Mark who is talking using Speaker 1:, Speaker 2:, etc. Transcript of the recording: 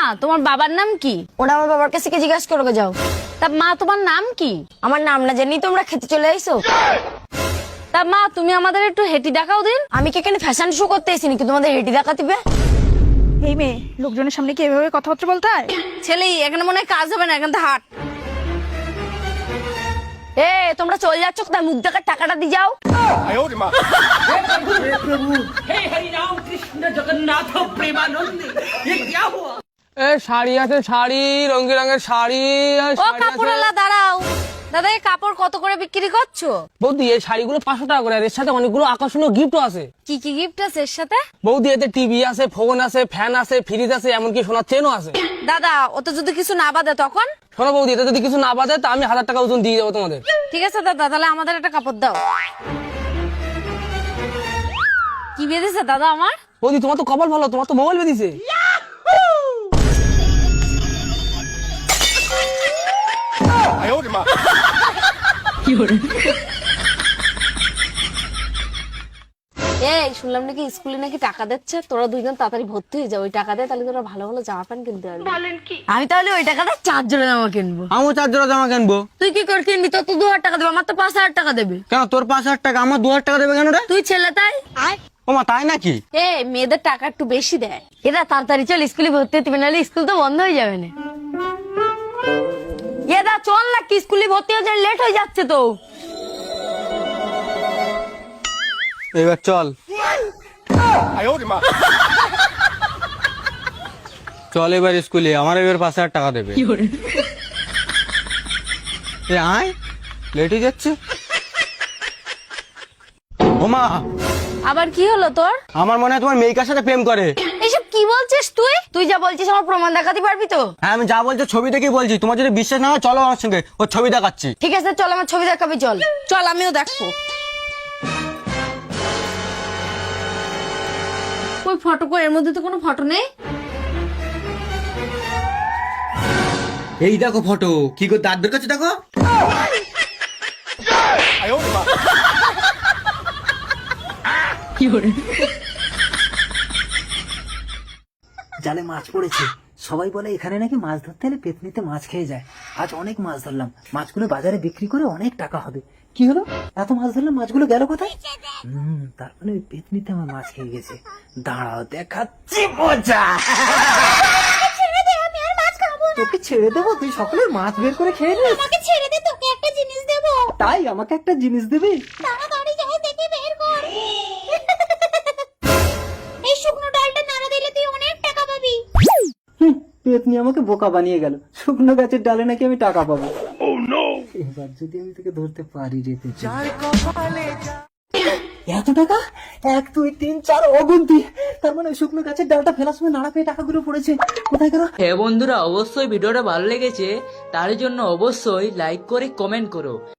Speaker 1: তোমার বাবার নাম কি?
Speaker 2: ওরা আমার বাবার কাছে জিজ্ঞাসা করবে যাও।
Speaker 1: তা মা তোমার নাম কি?
Speaker 2: আমার নাম না জানি তোমরা খেতে চলে আইসো।
Speaker 1: তা মা তুমি আমাদের একটু হেঁটি দেখাও দিন।
Speaker 2: আমি কি এখানে ফ্যাশন শো করতে এসেছি নাকি তোমাদের হেঁটে দেখা দিবে?
Speaker 3: এই মেয়ে, লোকজনের সামনে কি এভাবে কথাবার্তা বলতে হয়?
Speaker 1: ছেলেই এখানে মনে হয় কাজ হবে না, এখান থেকে হাট।
Speaker 2: এ তোমরা চলে যাচ্ছ কোথায়? মুখ দেখার টাকাটা দিয়ে যাও।
Speaker 4: শাড়ি আছে, শাড়ি রঙের রঙের শাড়ি।
Speaker 1: ও কাপড়ওয়ালা দাঁড়াও। দাদা এই কাপড় কত করে বিক্রি করছো?
Speaker 4: বৌদি এই শাড়িগুলো 500 টাকা করে, আর এর সাথে অনেকগুলো আকর্ষণীয় গিফটও আছে।
Speaker 1: কি কি গিফট আছে এর সাথে?
Speaker 4: বৌদি এতে টিভি আছে, ফোন আছে, ফ্যান আছে, ফ্রিজ আছে, এমনকি সোনার চেনও আছে।
Speaker 1: দাদা ওতে যদি কিছু না বাদে তখন?
Speaker 4: শোনো বৌদি, এতে যদি কিছু না বাজে তা আমি 1000 টাকা ওজন দিয়ে যাবো তোমাদের।
Speaker 1: ঠিক আছে দাদা, তাহলে আমাদের একটা কাপড় দাও। কি বেঁধেছে দাদা আমার?
Speaker 4: বৌদি তোমার তো কপাল ভালো, তোমার তো মোবাইল বেঁধেছে।
Speaker 1: এই শুনলাম নাকি স্কুলে নাকি টাকা দিচ্ছে, তোরা দুইজন তাড়াতাড়ি ভর্তি হয়ে যাও। ওই টাকা দিয়ে তাহলে তোরা ভালো ভালো জামা প্যান্ট কিনতে পারবি।
Speaker 2: আমি তাহলে ওই টাকাটা 4 জোড়া জামা কিনবো।
Speaker 4: আমিও 4 জোড়া জামা কিনবো।
Speaker 2: তুই কি করে কিনবি? তোর তো 2000 টাকা দেবে, আমার তো 5000 টাকা দেবে।
Speaker 4: কেন তোর 5000 টাকা, আমার 2000 টাকা দেবে কেন রে?
Speaker 2: তুই ছেলে তাই।
Speaker 4: ও মা, তাই নাকি?
Speaker 1: এ মেয়েদের টাকা একটু বেশি দেয়।
Speaker 2: এরা তাড়াতাড়ি চল, স্কুলে ভর্তি হতে হবে, নাহলে স্কুল তো বন্ধ হয়ে যাবে না। এদা চল না, কি স্কুলে ভর্তি হতে লেট হয়ে যাচ্ছে তো।
Speaker 4: এবার চল চল এবার স্কুলে, আমার এবার 5000 টাকা দেবে। এ আয়, লেট হয়ে যাচ্ছে। ও মা,
Speaker 1: আবার কি হলো তোর?
Speaker 4: আমার মনে হয় তোমার মেয়েকার সাথে প্রেম করে।
Speaker 2: এইসব কি বলছিস তুই? তুই যা বলছিস আমার প্রমাণ দেখাতে পারবি তো?
Speaker 4: হ্যাঁ আমি যা বলছি ছবি দেখেই বলছি, তোমার যদি বিশ্বাস না হয় চলো আমার সঙ্গে, ওর ছবি দেখাচ্ছি।
Speaker 2: ঠিক আছে চল, আমার ছবি দেখাবি চল।
Speaker 1: চল আমিও দেখবো। ওই ফটো কো, এর মধ্যে তো কোনো ফটো নেই।
Speaker 4: এই দেখো ফটো, কি করে দাঁত বের করছে দেখো।
Speaker 5: জালে মাছ পড়েছে। সবাই বলে এখানে নাকি মাছ ধরতে হলে পেতনিতে মাছ খেয়ে যায়। আজ অনেক মাছ ধরলাম, মাছগুলো বাজারে বিক্রি করে অনেক টাকা হবে। কি হলো, এত মাছ ধরলাম, মাছগুলো গেল কোথায়? তার মানে ওই পেতনিতে আমার মাছ খেয়ে গেছে। দাঁড়াও দেখাচ্ছি মজা। তোকে ছেড়ে দেবো, তুই সকলের মাছ বের করে খেয়ে নিস।
Speaker 6: আমাকে ছেড়ে দে, তোকে একটা জিনিস দেবো।
Speaker 5: তাই আমাকে একটা জিনিস দিবি?
Speaker 6: তাড়াতাড়ি যাই দেখে বের কর। এই শুকনো ডালটা নাড়া দিলে তুই অনেক টাকা পাবি।
Speaker 5: পেতনি আমাকে বোকা বানিয়ে গেল। শুকনো গাছের ডালে নাকি আমি টাকা পাবো। এবার যদি আমি তোকে ধরতে পারি রে পেতনি। এত টাকা, 1 2 3 4 অগুন্তি। তার মানে শুকনো গাছের ডালটা ফেলার সময় নাড়া পেয়ে টাকাগুলো পড়েছে। কোথায় গেল?
Speaker 7: হ্যাঁ বন্ধুরা, অবশ্যই ভিডিওটা ভালো লেগেছে, তার জন্য অবশ্যই লাইক করে কমেন্ট করো।